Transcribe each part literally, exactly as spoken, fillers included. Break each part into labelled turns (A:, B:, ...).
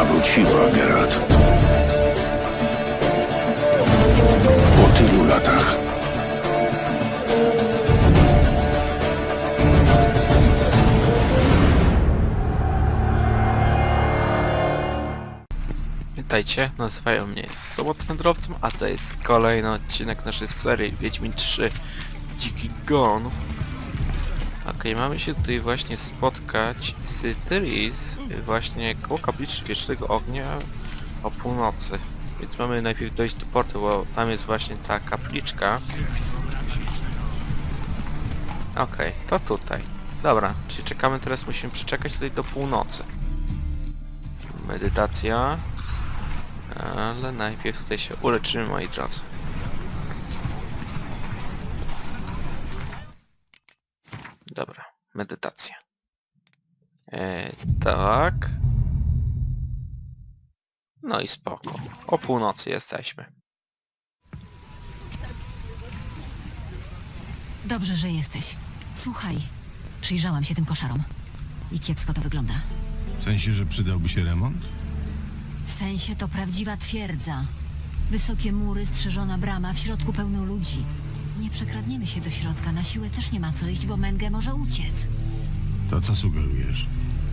A: wróciła, Geralt. Po tylu latach.
B: Witajcie, nazywają mnie Sobotwędrowcem, a to jest kolejny odcinek naszej serii Wiedźmin trzy Dziki Gon. Ok, mamy się tutaj właśnie spotkać z Tyris właśnie koło kapliczki Wiecznego Ognia o północy. Więc mamy najpierw dojść do portu, bo tam jest właśnie ta kapliczka. Ok, to tutaj. Dobra, czyli czekamy teraz, musimy przeczekać tutaj do północy. Medytacja. Ale najpierw tutaj się uleczymy, moi drodzy. Dobra, medytacja. E, tak. No i spoko. O północy jesteśmy.
C: Dobrze, że jesteś. Słuchaj, przyjrzałam się tym koszarom. I kiepsko to wygląda.
D: W sensie, że przydałby się remont?
C: W sensie to prawdziwa twierdza. Wysokie mury, strzeżona brama, w środku pełno ludzi. Nie przekradniemy się do środka, na siłę też nie ma co iść, bo Menge może uciec.
D: To co sugerujesz?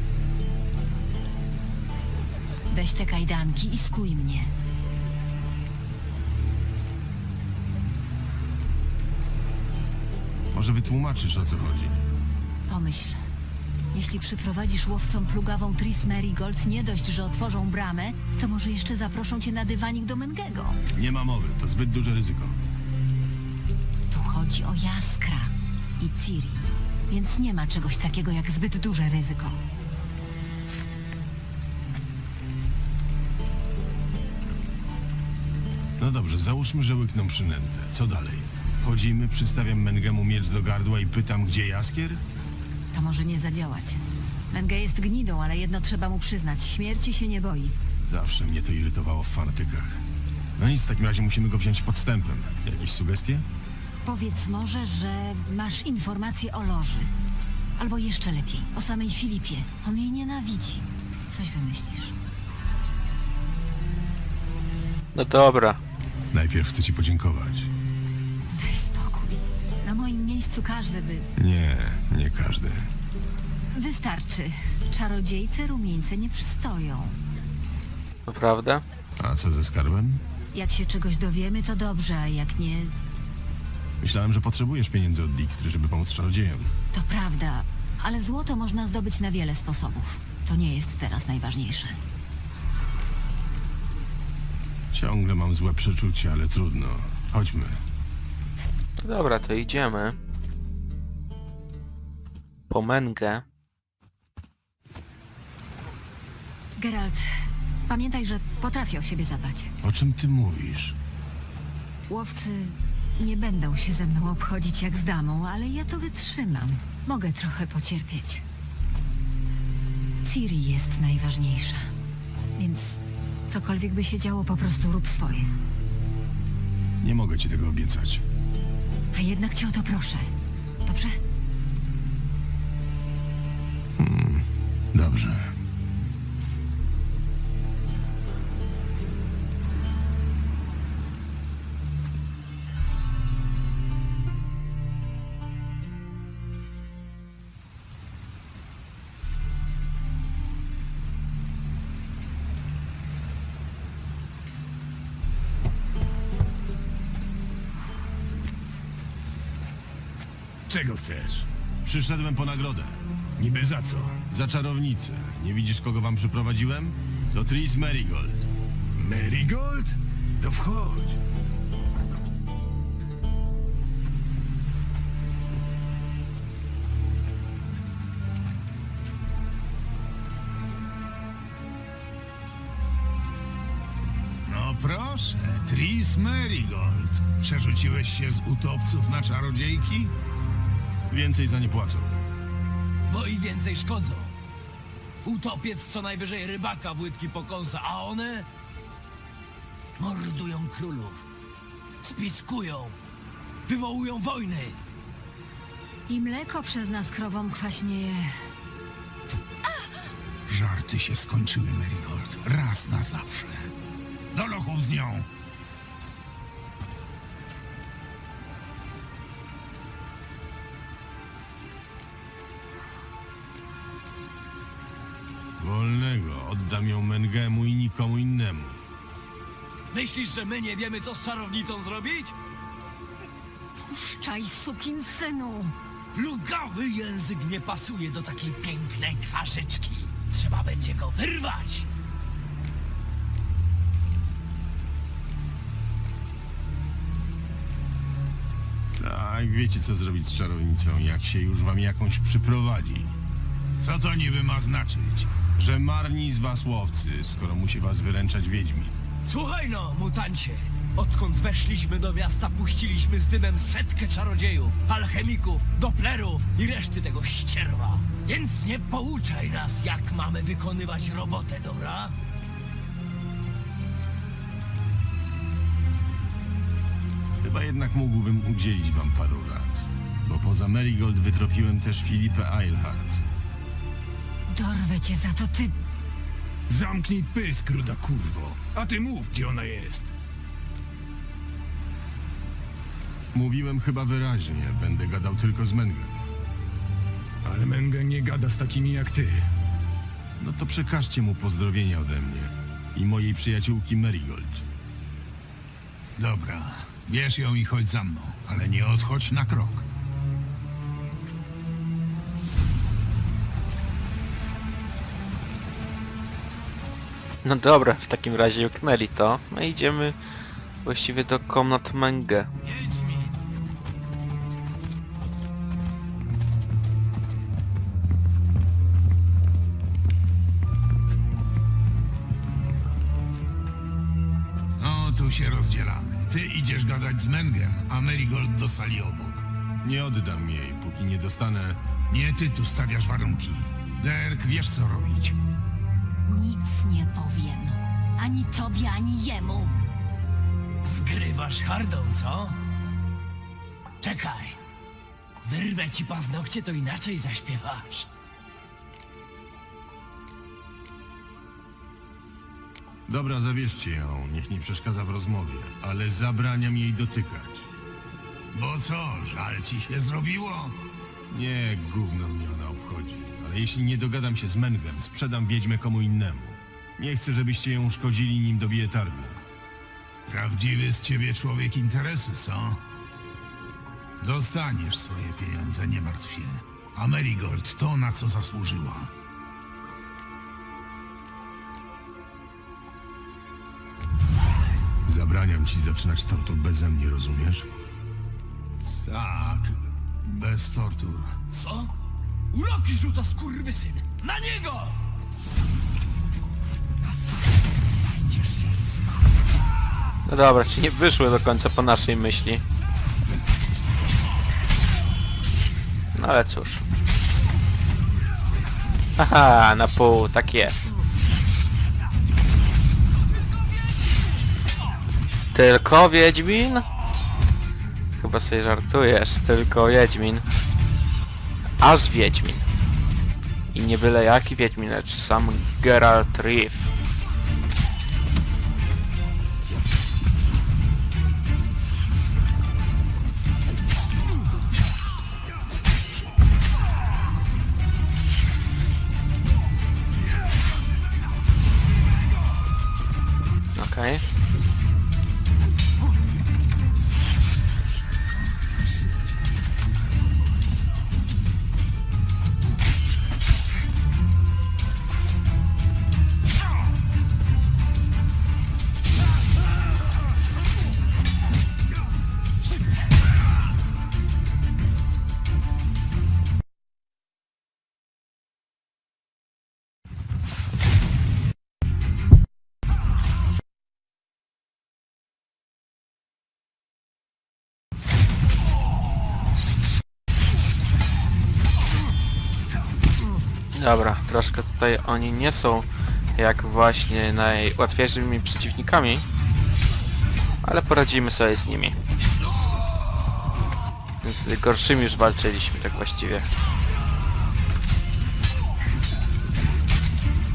C: Weź te kajdanki i skuj mnie.
D: Może wytłumaczysz, o co chodzi?
C: Pomyśl. Jeśli przyprowadzisz łowcom plugawą Tris Merigold, nie dość, że otworzą bramę, to może jeszcze zaproszą cię na dywanik do Mengego.
D: Nie ma mowy, to zbyt duże ryzyko.
C: Tu chodzi o Jaskra i Ciri, więc nie ma czegoś takiego jak zbyt duże ryzyko.
D: No dobrze, załóżmy, że łykną przynętę. Co dalej? Chodzimy, przystawiam Mengemu miecz do gardła i pytam, gdzie Jaskier?
C: To może nie zadziałać. Menge jest gnidą, ale jedno trzeba mu przyznać. Śmierci się nie boi.
D: Zawsze mnie to irytowało w fanatykach. No nic, w takim razie musimy go wziąć podstępem. Jakieś sugestie?
C: Powiedz może, że masz informacje o Loży. Albo jeszcze lepiej, o samej Filipie. On jej nienawidzi. Coś wymyślisz.
B: No dobra.
D: Najpierw chcę ci podziękować.
C: Daj spokój. Na moim miejscu każdy by...
D: Nie, nie każdy.
C: Wystarczy. Czarodziejce rumieńce nie przystoją.
B: Naprawdę?
D: A co ze skarbem?
C: Jak się czegoś dowiemy, to dobrze, a jak nie,
D: Myślałem, że potrzebujesz pieniędzy od Dijkstry, żeby pomóc czarodziejom.
C: to prawda. Ale złoto można zdobyć na wiele sposobów. To nie jest teraz najważniejsze.
D: Ciągle mam złe przeczucie, ale trudno. Chodźmy.
B: Dobra, to idziemy. Po Mengę.
C: Geralt, pamiętaj, że potrafię o siebie zadbać.
D: O czym ty mówisz?
C: Łowcy nie będą się ze mną obchodzić jak z damą, ale ja to wytrzymam. Mogę trochę pocierpieć. Ciri jest najważniejsza. Więc cokolwiek by się działo, po prostu rób swoje.
D: Nie mogę ci tego obiecać.
C: A jednak cię o to proszę. Dobrze?
D: Dobrze.
E: Czego chcesz?
D: Przyszedłem po nagrodę.
E: Niby za co?
D: Za czarownicę. Nie widzisz, kogo wam przyprowadziłem? To Tris Merigold.
E: Marigold? To wchodź. No proszę, Tris Merigold. Przerzuciłeś się z utopców na czarodziejki?
D: Więcej za nie płacą.
F: Bo i więcej szkodzą. Utopiec co najwyżej rybaka w łydki pokąsa, a one mordują królów, spiskują, wywołują wojny.
C: I mleko przez nas krowom kwaśnieje.
E: Żarty się skończyły, Marigold. Raz na zawsze. Do lochów z nią!
D: Wolnego. Oddam ją Mengemu i nikomu innemu.
F: Myślisz, że my nie wiemy, co z czarownicą zrobić?
C: Puszczaj, sukinsynu!
F: Plugawy język nie pasuje do takiej pięknej twarzyczki. Trzeba będzie go wyrwać.
D: Tak, wiecie co zrobić z czarownicą, jak się już wam jakąś przyprowadzi.
E: Co to niby ma znaczyć?
D: Że marni z was łowcy, skoro musi was wyręczać wiedźmin.
F: Słuchaj no, mutancie. Odkąd weszliśmy do miasta, puściliśmy z dymem setkę czarodziejów, alchemików, doplerów i reszty tego ścierwa. Więc nie pouczaj nas, jak mamy wykonywać robotę, dobra?
D: Chyba jednak mógłbym udzielić wam paru rad. Bo poza Marigold wytropiłem też Filipę Eilhart.
C: Dorwę cię za to, ty...
E: Zamknij pysk, ruda kurwo. A ty mów, gdzie ona jest.
D: Mówiłem chyba wyraźnie, będę gadał tylko z Mengem.
E: Ale Menge nie gada z takimi jak ty.
D: No to przekażcie mu pozdrowienia ode mnie i mojej przyjaciółki Marigold.
E: Dobra, bierz ją i chodź za mną, ale nie odchodź na krok.
B: No dobra, w takim razie uknęli to. No i idziemy właściwie do komnat Menge.
F: Wiedźmin!
E: No, tu się rozdzielamy. Ty idziesz gadać z Mengem, a Marigold do sali obok.
D: Nie oddam jej, póki nie dostanę...
E: Nie ty tu stawiasz warunki. Derek, wiesz co robić.
C: Nic nie powiem. Ani tobie, ani jemu.
F: Zgrywasz hardą, co? Czekaj. Wyrwę ci paznokcie, to inaczej zaśpiewasz.
D: Dobra, zabierzcie ją, niech nie przeszkadza w rozmowie, ale zabraniam jej dotykać.
E: Bo co, żal ci się zrobiło?
D: Nie, gówno mnie ona obchodzi, ale jeśli nie dogadam się z Mengem, sprzedam wiedźmę komu innemu. Nie chcę, żebyście ją uszkodzili, nim dobiję targu.
E: Prawdziwy z ciebie człowiek interesu, co? Dostaniesz swoje pieniądze, nie martw się. A Marigold to, na co zasłużyła.
D: Zabraniam ci zaczynać tortur beze mnie, rozumiesz?
E: Tak, bez tortur.
F: Co? Uroki rzuca skurwysyn! Na niego! Będziesz się smał.
B: No dobra, czy nie wyszły do końca po naszej myśli? No ale cóż. Haha, na pół, tak jest. Tylko Wiedźmin? Chyba sobie żartujesz, tylko Wiedźmin. Aż Wiedźmin. I nie byle jaki Wiedźmin, lecz sam Geralt Riff. Okej. Dobra, troszkę tutaj oni nie są jak właśnie najłatwiejszymi przeciwnikami, ale poradzimy sobie z nimi. Z gorszymi już walczyliśmy, tak właściwie.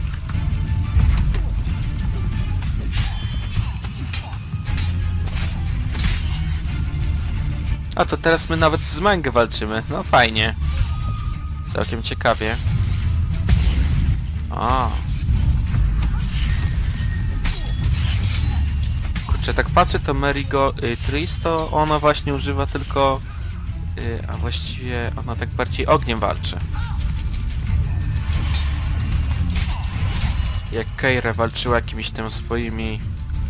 B: A to teraz my nawet z Mengę walczymy. No fajnie. Całkiem ciekawie. O. Kurczę, tak patrzę, to Merigo y, Tris to ona właśnie używa tylko... Y, a właściwie ona tak bardziej ogniem walczy. Jak Keira walczyła jakimiś tam swoimi...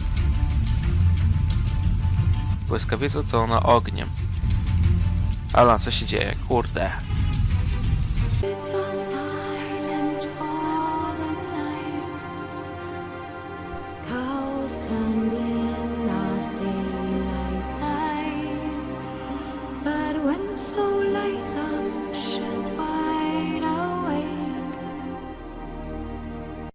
B: błyskawicą, to ona ogniem. Ale co się dzieje? Kurde.
G: It's all silent for the night. Cows turned